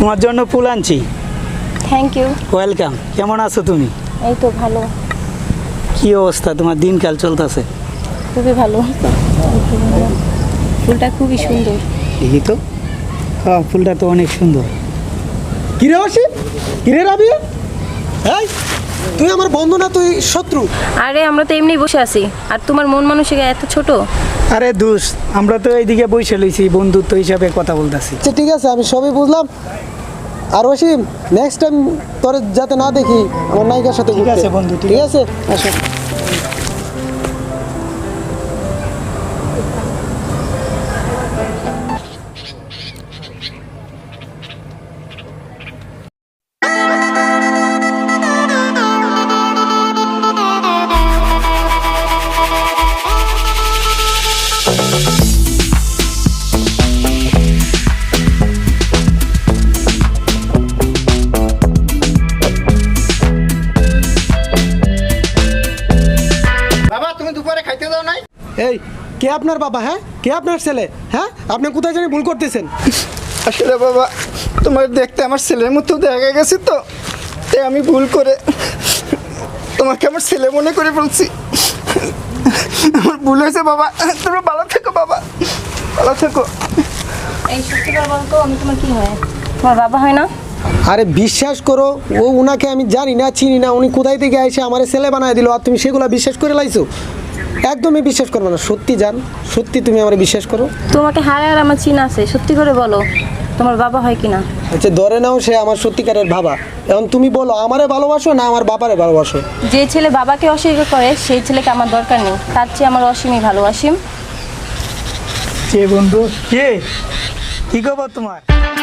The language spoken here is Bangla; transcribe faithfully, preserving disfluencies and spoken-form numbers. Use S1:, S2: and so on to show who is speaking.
S1: তোমার জন্য ফুল আনছি।
S2: Thank you.
S1: ওয়েলকাম। কেমন আছো তুমি?
S2: এই তো ভালো।
S1: কি অবস্থা তোমার, দিনকাল চলতেছে?
S2: খুবই ভালো। ফুলটা খুবই সুন্দর।
S1: দেখি তো। হ্যাঁ, ফুলটা তো অনেক সুন্দর।
S3: কিরে অসীম, কিরে রাবিয়া, এই তুই আমার বন্ধু না তুই শত্রু?
S2: আরে আমরা তো এমনি বসে আছি, আর তোমার মন মানসিকতা এত ছোট।
S1: আরে দোষ, আমরা তো এইদিকে বসে লইছি, বন্ধুত্ব হিসাবে কথা বলতেছি।
S3: আচ্ছা ঠিক আছে, আমি সবই বুঝলাম। আর অসীম, নেক্সট টাইম তোর যাতে না দেখি আমার নায়িকার সাথে
S1: ঠিক
S3: ঘুরতে।
S1: আছে বন্ধু, ঠিক
S3: ঠিক আছে, আসো।
S4: বাবা তুমি দুপুরে খাইতে দাও নাই?
S3: এই কে আপনার বাবা? হ্যাঁ, কে আপনার ছেলে? হ্যাঁ, আপনি কোথায় জানি ভুল করতেছেন।
S4: আসলে বাবা তোমার দেখতে আমার ছেলের মতো দেখা গেছে, তো তাই আমি ভুল করে তোমাকে আমার ছেলে মনে করে বলছি। আমার ভুল হয়েছে বাবা, তোমরা ভালো থেকো বাবা, ভালো থেকো।
S2: এই সত্যি করে বলতো, আমি তোমার কি হয়? তোমার বাবা হয় না?
S3: আরে বিশ্বাস করো, ও উনাকে আমি জানি না, চিনি না। উনি কোথায় থেকে এসে আমার ছেলে বানায় দিল, আর তুমি সেগুলো বিশ্বাস করে লাইছো? একদমই বিশ্বাস করবে না। সত্যি জান, সত্যি তুমি আমার বিশ্বাস করো।
S2: তোমাকে হারে আর আমার চিন আছে, সত্যি করে বলো তোমার বাবা হয় কিনা।
S3: আচ্ছা ধরে নাও সে আমার সত্যিকারের বাবা। এখন তুমি বলো, আমারে ভালোবাসো না আমার বাবারে ভালোবাসো?
S2: যে ছেলে বাবাকে অস্বীকার করে সেই ছেলেকে আমার দরকার নেই, তার চেয়ে আমার অসীমই ভালো। অসীম
S1: কে বন্ধু? কে? কি খবর তোমার?